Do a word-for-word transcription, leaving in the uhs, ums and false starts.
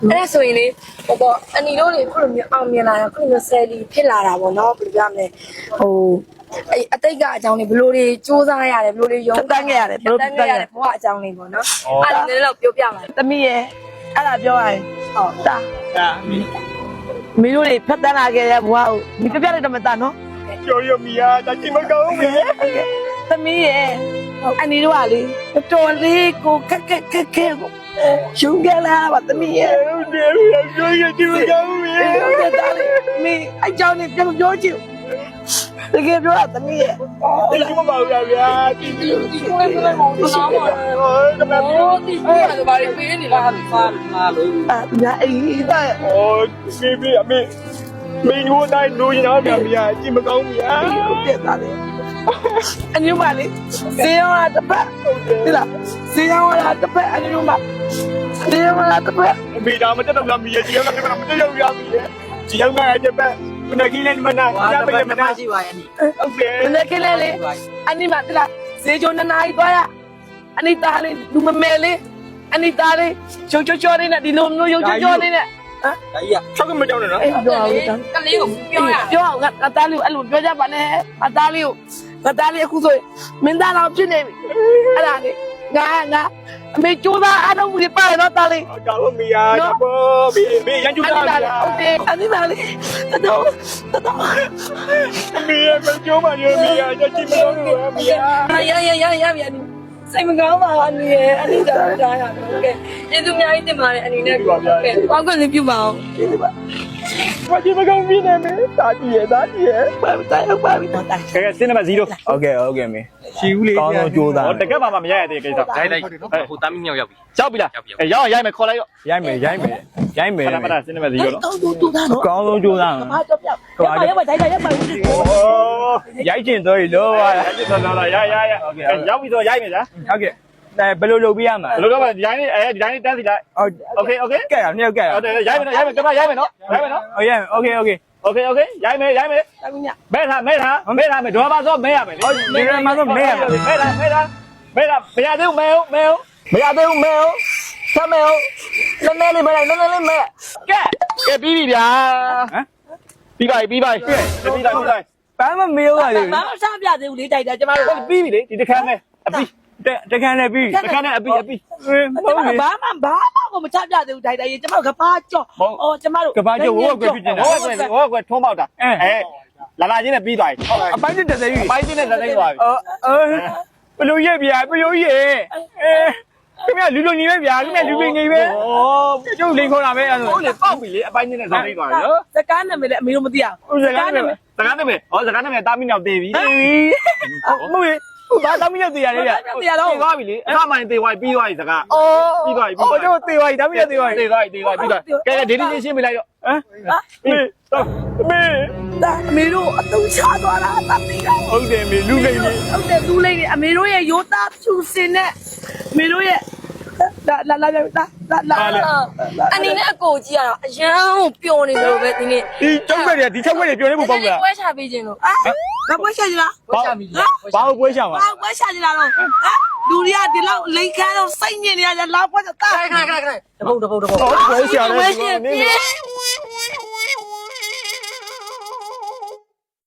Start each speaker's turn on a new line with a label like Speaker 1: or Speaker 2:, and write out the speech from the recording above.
Speaker 1: အဲ့ဒါဆိုရင်လေဟိုပေါ့အနီတို့တွေခုလိုမျိုးအောင်မြင်လာတာခုလိုမျိုးဆယ်လီဖြစ်လာတာပေါ့နော်ဘယ်လိုပြောမလဲဟိုအဲ့အတိတ်ကအကြောင်းတွေဘလို့တွေစူးစမ်းရတယ်ဘလို့တွေရုံးတန်းခဲ့ရတယ်ဘလို့တန်းခဲ့ရတယ်ဘဝအကြောင်းတွေပေါ့နော်အဲ့ဒါလည်းတော့ပြောပြပါမယ်သမီးရဲ့အဲ့ဒါပြောရရင်ဟုတ်တာဒါမင်းတို့တွေဖတ်တန်းလာခဲ့တဲ့ဘဝကိုဒီပြပြလိုက်တော့မသားနော်
Speaker 2: ကျော်ရမီယာတချိမကောင်းဘူး
Speaker 1: သမီးရဲ့အနီတို့ကလေတော်လေးကိုခက်ခက်ခက်ခဲကိုရှုံးကြလာပါသမီးရဲ့
Speaker 2: ဟုတ်တယ်ကျော်ရတချိမကောင်းဘူး
Speaker 1: ဟုတ်တယ်ဒါလေးမင်းအကြောင်းနဲ့ပြန်ပြောချင်တကယ်ပြောတာသမီးရဲ့
Speaker 2: တချိမပါဘူးဗျာဒီဒီဒီကိုလည်းလည်းမဟုတ်ဘူးနော်ဟုတ်တယ်ဗျာ
Speaker 1: ဒီကဘာလို့ပေးနေလားဟာဖာလာလို့အာညာအေးဒါ
Speaker 2: ဟိုစီဘီအမေမင်းတို့တိုင်းလူရင်တော့ဗျာမီယာကြည့်မကောင်းဘူးဗျာ
Speaker 1: ဟုတ်တယ်ဒါလေးအညမလေးဇေယောကတပတ်ဒီလားဇေယောကတပတ်အညမဇေယောကတပတ်
Speaker 2: မိသားမတက်တော့မီယာကြည့်ရမှာမတက်ရောက်ရပြီကြည့်ရမှာတပတ်ခုနကလေးမနာ
Speaker 3: ရပါရဲ့မရှိပါရဲ့နိ
Speaker 2: ဟုတ်တယ်
Speaker 1: ခုနကလေးလေးအညမဒီလားဇေဂျိုနနာကြီးသွားရအနိတာလေးလူမမဲလေးအနိတာလေးချိုချိုချိုလေးနဲ့ဒီလိုမျိုးရုပ်ချိုချိုလေးနဲ့
Speaker 3: ဟမ်ဒါကြီးอ่ะ
Speaker 2: ချောက်ကမကြောက်နဲ့နော်
Speaker 1: အေးပြောအောင်ကလေးကိုပြောရပြောအောင်ငါသားလေးကိုအဲ့လိုပြောကြပါနဲ့ငါသားလေးကိုငါသားလေးအခုဆိုရင်မင်းသားတော်ဖြစ်နေပြီအဲ့ဒါလေးငါငါအမေကျိုးသားအားလုံးကြီးပါရတော့သားလေး
Speaker 2: ကြောက်မီယာတော့ဘီဘီရန်ကျူတာ
Speaker 1: ဟုတ်တယ်အနိသားလေးတော်တော်
Speaker 2: မီယာမကျိုးပါရမီယာကြည့်မလို့မီယာ
Speaker 1: ရရရရရစိတ်မကောင်းပါအနေနဲ့အနိတာတားရတယ်ဟုတ်ကဲ့ကျေးဇူးအများကြီးတင်ပါတယ်အနေနဲ့ဟုတ်ကဲ့ကောင်းကလေးပြုပါအောင်ကျေးဇူးပါ
Speaker 2: ဘာကြီးမကောင်းပြီနေမေတာကြည့်ရတာကြည့်ရ
Speaker 1: ပါတိုင်းဟုတ်ပါပြီတိုင်း
Speaker 2: ကဲစင်းနံပါတ်ศูနးโอเคโอเคမေရှီဦးလေးကောင်းဆုံးကြိုးစားဟောတကက်ပါမှမရရတဲ့ကိစ္စ
Speaker 3: ဒိုင်းလိုက်ဟိုတာမီမြောက်ရောက်ပြီ
Speaker 2: ရောက်ပြီလားအဲရောက်ရိုက်မယ်ခေါ်လိုက်ရောရိုက်မယ်ရိုက်မယ်ရိုက်မယ်
Speaker 1: ပထမစင်းနံပါတ်ศูနော်ကောင်းဆုံးကြိုးစားနော်
Speaker 2: ကောင်းဆုံးကြိုးစား
Speaker 1: ဘာတော့ပြောက်ရပါရပါတိုင်းတိုင်းရပါဘူး
Speaker 2: โอ้ရိုက်ကျင်တော့လို့ပါရိုက်ကျင်တော့လားရရရโอเคရောက်ပြီဆိုရိုက်မယ်ဗျာဟုတ်ကဲ့အဲဘယ်လိုလုပ်ပြရမှာဘယ်လိုလုပ်မလဲဒီတိုင်းလေးအဲဒီတိုင်းလေးတန်းစီလိုက်โอเคโอเคကဲရနှစ်ယောက်ကဲရဟုတ်တယ်ရိုက်မယ်ရိုက်မယ်ကမရိုက်မယ်နော်ရိုက်မယ်နော်ဟုတ်ရိုက်မယ်โอเคโอเคโอเคโอเคရိုက်မယ်ရိုက်မယ်မဲထားမဲထားမဲထားမယ်ဒေါ်ပါဆိုမဲရမယ်ဟုတ်ဒီကမှာဆိုမဲရမယ်မဲထားမဲထားမဲထားမရသေးဘူးမဲဟုတ်မဲဟုတ်မရသေးဘူးမဲဟုတ်ဆက်မဲဟုတ်လက်မဲလေးမဲလိုက်လက်လက်လေးမဲကဲကဲပြီးပြီဗျာဟမ်ပြီးပါပြီပြီးပါပြီပြီးလိုက်ပြီးလိုက်ဘာမှမေးဦးပါလေ
Speaker 1: ဘာမှစားပြသေးဘူးလေးတိုက်တာကျမတို့
Speaker 2: ပြီးပြီလေဒီတစ်ခါနဲ့အပြီးတခါနဲ့ပြီးတခါနဲ့အပြီးအပြီး
Speaker 1: ဟုတ်ဘာမှဘာမှကိုမချပြသေးဘူးတိုက်တိုက်ကျမတို့ကဘာကြော့အော်ကျမတို့
Speaker 2: ကဘာကြော့ဝေါကွယ်ဖြစ်နေတာဝေါကွယ်ဝေါကွယ်ထုံးပေါက်တာအဲလာလာချင်းနဲ့ပြီးသွားပြီအပိုင်းနဲ့တစ်သိန်းအပိုင်းနဲ့တစ်သိန်းသွားပြီအော်အော်ဘယ်လိုရက်ဗျာဘယ်လိုရက်အဲခင်ဗျလူလူညီပဲဗျာခင်ဗျလူလူညီပဲဩကျုပ်လိန်ခေါ်တာပဲအဲ့ဒါဟုတ်လေပေါက်ပြီလေအပိုင်းနဲ့တစ်သိန်းသွားတယ်နော်
Speaker 1: စကားနာမည်လည်းအမေတို့မသိအောင်
Speaker 2: စကားနာမည်စကားနာမည်ဩစကားနာမည်တာမီနောက်သေးပြီဟုတ်ပြီဘာသမီးနဲ့တေးရလေဗျတေးရတော့သွားပြီလေအခါမှန်တေးသွားပြီးသွားပြီစကားအော်ပြီးသွားပြီပြီးသွားပြီဟိုတို့တေးသွားပြီသမီးနဲ့တေးသွားပြီတေးသွားပြီတေးသွားပြီပြီးသွားကဲဒေဒီချင်းရှင်းပြလိုက်တော့ဟမ်မေတော့မေ
Speaker 1: ဒါအမေတို့အတုံးချသွားတာသမီးတော့
Speaker 2: ဟုတ်တယ်မေလူလိမ့်နေ
Speaker 1: ဟုတ်တယ်လူလိမ့်နေအမေတို့ရဲ့ရိုးသားဖြူစင်နဲ့အမေတို့ရဲ့လာလာလာလာလာအနေနဲ့အကိုကြီးကတော့အရန်ကိုပျော်နေလို့ပဲဒီနေ့
Speaker 2: ဒီချောက်ွက်တွေဒီချောက်ွက်တွေပျော်နေဖို့ပေါ့ဗျာ
Speaker 1: ပွဲချပေးခြင်းလို့အာငါပွဲချကြလား
Speaker 2: ပွဲချပြီဘာလို့ပွဲချမှာ
Speaker 1: ဘာပွဲချကြလားတော့ဟမ်လူတွေကဒီလောက်လိန်ခမ်းတော့စိတ်ညစ်နေရကြလောက်ပွဲတာ
Speaker 3: ခဏခဏခဏတပုတ်တပုတ်တပုတ်
Speaker 2: ပွဲချရတယ်